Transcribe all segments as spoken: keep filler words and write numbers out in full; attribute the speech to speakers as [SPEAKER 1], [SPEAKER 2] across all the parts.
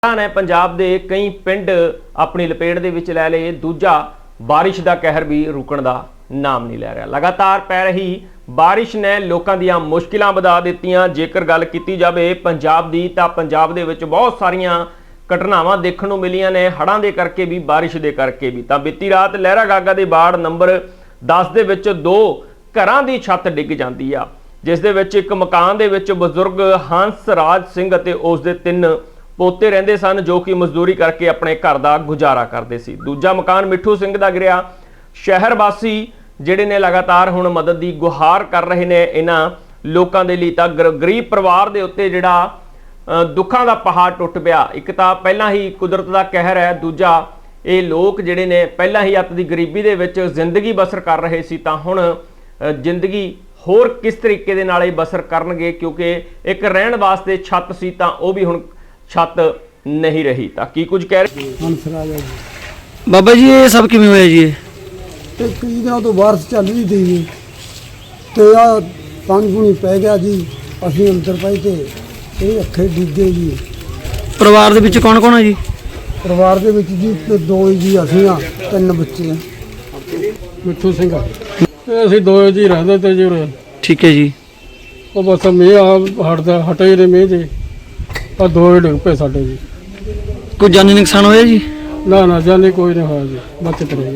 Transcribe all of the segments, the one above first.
[SPEAKER 1] ने पंजाब के कई पिंड अपनी लपेट दे विच लै लए। दूजा बारिश का कहर भी रुकण का नाम नहीं लै रहा। लगातार पै रही बारिश ने लोगों दी मुश्किलां वधा दित्तियां। जेकर गल कीती जावे पंजाब दी तां पंजाब दे विच बहुत सारियां घटनावां देखण नूं मिलियां ने, हड़ां दे करके भी बारिश दे करके भी। तां बीती रात लहरा गागा दे वार्ड नंबर दस दे विच दो घरां दी छत डिग जांदी आ, जिस दे विच एक मकान दे विच बजुर्ग हंस राज सिंह अते उस दे तिन्न पोते रहिंदे सन, जो कि मजदूरी करके अपने घर का गुजारा करते सी। दूजा मकान मिठू सिंह का गिरिया। शहर वासी जिहड़े ने लगातार हुण मदद की गुहार कर रहे ने इन्हां लोकां दे लई। तां गरीब परिवार दे उत्ते जिहड़ा दुखां दा पहाड़ टुट पिया। एक तां पहिलां ही कुदरत दा कहर है, दूजा ये लोग जिहड़े ने पहिलां ही अत दी गरीबी दे विच जिंदगी बसर कर रहे सी, तां हुण जिंदगी होर किस तरीके दे नाल बसर करनगे, क्योंकि एक रहण वास्ते छत सी तां ओह भी हुण छत नहीं रही। ताकि कुछ कह रहे
[SPEAKER 2] बाबा जी ये सब किवें होया जी?
[SPEAKER 3] कई दिनों तो बारिश चल रही थी तो आ पानी पूनी पै गया जी, असीं अंदर पाई तो ये अखे डिग गए जी।
[SPEAKER 2] परिवार दे विच कौन कौन है जी?
[SPEAKER 3] परिवार दे विच जी ते दो जी असीं आ, तीन बच्चे हैं। मिठू सिंह ते असीं दो जी रहंदे ते जी उरे।
[SPEAKER 2] ठीक है जी।
[SPEAKER 3] ਉਹ ਬਸ ਮੀਂਹ ਆ ਹਟਦਾ ਹਟੇ ਨੇ ਮੀਂਹ ਦੇ ਆ ਦੋ ਹੀ ਡਿੱਗ ਪਏ ਸਾਡੇ ਜੀ।
[SPEAKER 2] कोई जानी नुकसान होया जी?
[SPEAKER 3] ਨਾ ਨਾ ਜਾਨੇ ਕੋਈ ਨਹੀਂ ਹੋਇਆ ਜੀ, ਬਚਤ ਰਹੀ।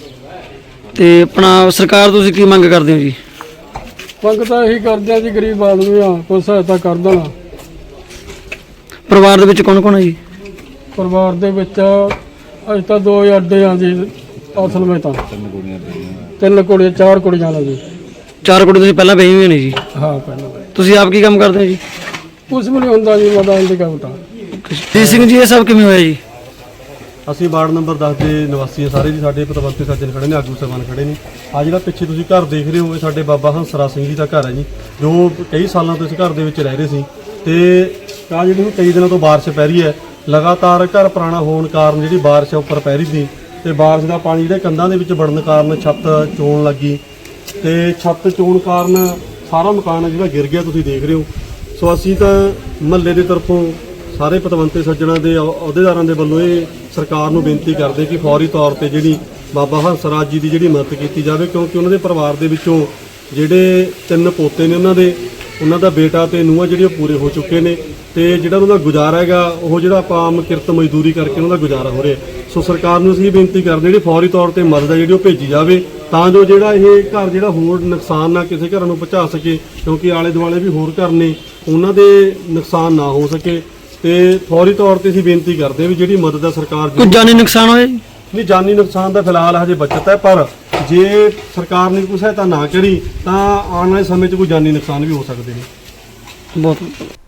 [SPEAKER 2] ਤੇ ਆਪਣਾ ਸਰਕਾਰ ਤੁਸੀਂ ਕੀ ਮੰਗ ਕਰਦੇ ਹੋ ਜੀ?
[SPEAKER 3] ਮੰਗ ਤਾਂ ਇਹੀ ਕਰਦੇ ਆ ਜੀ, ਗਰੀਬ ਆਦਮੀ ਆ, ਕੋਈ ਸਹਾਇਤਾ ਕਰ ਦੇਣਾ।
[SPEAKER 2] ਪਰਿਵਾਰ ਦੇ ਵਿੱਚ ਕੌਣ ਕੌਣ ਹੈ ਜੀ?
[SPEAKER 3] ਪਰਿਵਾਰ ਦੇ ਵਿੱਚ ਅੱਜ ਤਾਂ ਦੋ ਹੀ ਅੱਡੇ ਆ ਜੀ ਅਸਲ ਵਿੱਚ ਤਾਂ। ਤਿੰਨ ਕੁੜੀਆਂ ਚਾਰ ਕੁੜੀਆਂ ਨੇ ਜੀ।
[SPEAKER 2] ਚਾਰ ਕੁੜੀ ਤੁਸੀਂ ਪਹਿਲਾਂ ਵਿਆਹੀ ਹੋਏ ਨੇ ਜੀ?
[SPEAKER 3] ਹਾਂ ਪਹਿਲਾਂ।
[SPEAKER 2] ਤੁਸੀਂ ਆਪ ਕੀ ਕੰਮ ਕਰਦੇ ਹੋ ਜੀ?
[SPEAKER 3] ਕੁਛ ਵੀ ਨਹੀਂ ਹੁੰਦਾ ਜੀ, ਮਦਾਨ ਦੀ ਕੰਮ ਤਾਂ।
[SPEAKER 2] ਜੀ ਸਿੰਘ ਜੀ ਇਹ ਸਭ ਕਿਵੇਂ ਹੋਇਆ ਜੀ?
[SPEAKER 4] ਅਸੀਂ ਵਾਰਡ ਨੰਬਰ ਦਸ ਦੇ ਨਿਵਾਸੀ ਹਾਂ ਸਾਰੇ ਜੀ। ਸਾਡੇ ਪਤਵੰਤੇ ਸੱਜਣ ਖੜੇ ਨੇ, ਆਗੂ ਸਾਹਿਬਾਨ ਖੜੇ ਨੇ। ਆ ਜਿਹੜਾ ਪਿੱਛੇ ਤੁਸੀਂ ਘਰ ਦੇਖ ਰਹੇ ਹੋ ਇਹ ਸਾਡੇ ਬਾਬਾ ਹੰਸਰਾਜ ਸਿੰਘ ਜੀ ਦਾ ਘਰ ਹੈ ਜੀ, ਜੋ ਕਈ ਸਾਲਾਂ ਤੋਂ ਇਸ ਘਰ ਦੇ ਵਿੱਚ ਰਹਿ ਰਹੇ ਸੀ। ਤੇ ਆ ਜਿਹੜੀ ਕਈ ਦਿਨਾਂ ਤੋਂ ਬਾਰਿਸ਼ ਪੈ ਰਹੀ ਹੈ, ਲਗਾਤਾਰ ਘਰ ਪੁਰਾਣਾ ਹੋਣ ਕਾਰਨ ਜਿਹੜੀ ਬਾਰਿਸ਼ ਉੱਪਰ ਪੈ ਰਹੀ ਸੀ ਤੇ ਬਾਰਿਸ਼ ਦਾ ਪਾਣੀ ਜਿਹੜੇ ਕੰਧਾਂ ਦੇ ਵਿੱਚ ਵੜਨ ਕਾਰਨ ਛੱਤ ਚੋਣ ਲੱਗੀ ਤੇ ਛੱਤ ਚੋਣ ਕਾਰਨ ਸਾਰਾ ਮਕਾਨ ਜਿਹੜਾ ਗਿਰ ਗਿਆ, ਤੁਸੀਂ ਦੇਖ ਰਹੇ ਹੋ। ਸੋ ਅਸੀਂ ਤਾਂ ਮਹੱਲੇ ਦੇ ਤਰਫੋਂ ਸਾਰੇ ਪਤਵੰਤੇ ਸੱਜਣਾਂ ਦੇ ਅਹੁਦੇਦਾਰਾਂ ਦੇ ਵੱਲੋਂ ਇਹ ਸਰਕਾਰ ਨੂੰ ਬੇਨਤੀ ਕਰਦੇ ਕਿ ਫੌਰੀ ਤੌਰ ਤੇ ਜਿਹੜੀ ਬਾਬਾ ਹੰਸਰਾਜ ਜੀ ਦੀ ਜਿਹੜੀ ਮਦਦ ਕੀਤੀ ਜਾਵੇ, ਕਿਉਂਕਿ ਉਹਨਾਂ ਦੇ ਪਰਿਵਾਰ ਦੇ ਵਿੱਚੋਂ ਜਿਹੜੇ ਤਿੰਨ ਪੋਤੇ ਨੇ ਉਹਨਾਂ ਦੇ ਉਹਨਾਂ ਦਾ ਬੇਟਾ ਤੇ ਨੂੰਹਾਂ ਜਿਹੜੀਆਂ ਪੂਰੇ ਹੋ ਚੁੱਕੇ ਨੇ ਤੇ ਜਿਹੜਾ ਉਹਨਾਂ ਦਾ ਗੁਜ਼ਾਰਾ ਹੈਗਾ ਉਹ ਜਿਹੜਾ ਆਪਾਂ ਆਮ ਕਿਰਤ ਮਜ਼ਦੂਰੀ ਕਰਕੇ ਉਹਨਾਂ ਦਾ ਗੁਜ਼ਾਰਾ ਹੋ ਰਿਹਾ। ਸੋ ਸਰਕਾਰ ਨੂੰ ਅਸੀਂ ਬੇਨਤੀ ਕਰਦੇ ਜਿਹੜੀ ਫੌਰੀ ਤੌਰ ਤੇ ਮਦਦ ਹੈ ਜਿਹੜੀ ਉਹ ਭੇਜੀ ਜਾਵੇ, ਤਾਂ ਜੋ ਜਿਹੜਾ ਇਹ ਘਰ ਜਿਹੜਾ ਹੋਰ ਨੁਕਸਾਨ ਨਾ ਕਿਸੇ ਘਰਾਂ ਨੂੰ ਪਹੁੰਚਾ ਸਕੇ, ਕਿਉਂਕਿ ਆਲੇ ਦੁਆਲੇ ਵੀ ਹੋਰ ਘਰ ਨੇ ਉਹਨਾਂ ਦੇ ਨੁਕਸਾਨ ਨਾ ਹੋ ਸਕੇ। ਤੇ ਫੌਰੀ ਤੌਰ ਤੇ ਅਸੀਂ ਬੇਨਤੀ ਕਰਦੇ ਹਾਂ ਵੀ ਜਿਹੜੀ ਮਦਦ ਹੈ ਸਰਕਾਰ
[SPEAKER 2] ਕੋਈ ਜਾਨੀ ਨੁਕਸਾਨ ਹੋਇਆ ਜੀ?
[SPEAKER 4] ਨਹੀਂ, ਜਾਨੀ ਨੁਕਸਾਨ ਦਾ ਫਿਲਹਾਲ ਹਜੇ ਬਚਤ ਹੈ, ਪਰ ਜੇ ਸਰਕਾਰ ਨੇ ਕੋਈ ਸਹਾਇਤਾ ਨਾ ਕਰੀ ਤਾਂ ਆਉਣ ਵਾਲੇ ਸਮੇਂ 'ਚ ਕੋਈ ਜਾਨੀ ਨੁਕਸਾਨ ਵੀ ਹੋ ਸਕਦੇ ਨੇ।
[SPEAKER 2] ਬਹੁਤ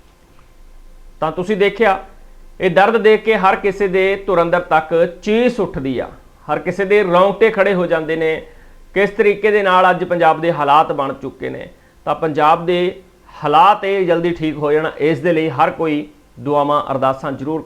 [SPEAKER 1] ਤਾਂ ਤੁਸੀਂ ਦੇਖਿਆ ਇਹ ਦਰਦ ਦੇਖ ਕੇ ਹਰ ਕਿਸੇ ਦੇ ਧੁਰ ਅੰਦਰ ਤੱਕ ਚੀਸ ਉੱਠਦੀ ਆ, ਹਰ ਕਿਸੇ ਦੇ ਰੌਂਗਟੇ ਖੜੇ ਹੋ ਜਾਂਦੇ ਨੇ। ਕਿਸ ਤਰੀਕੇ ਦੇ ਨਾਲ ਅੱਜ ਪੰਜਾਬ ਦੇ ਹਾਲਾਤ ਬਣ ਚੁੱਕੇ ਨੇ। ਤਾਂ ਪੰਜਾਬ ਦੇ ਹਾਲਾਤ ਇਹ ਜਲਦੀ ਠੀਕ ਹੋ ਜਾਣ, ਇਸ ਦੇ ਲਈ ਹਰ ਕੋਈ ਦੁਆਵਾਂ ਅਰਦਾਸਾਂ ਜ਼ਰੂਰ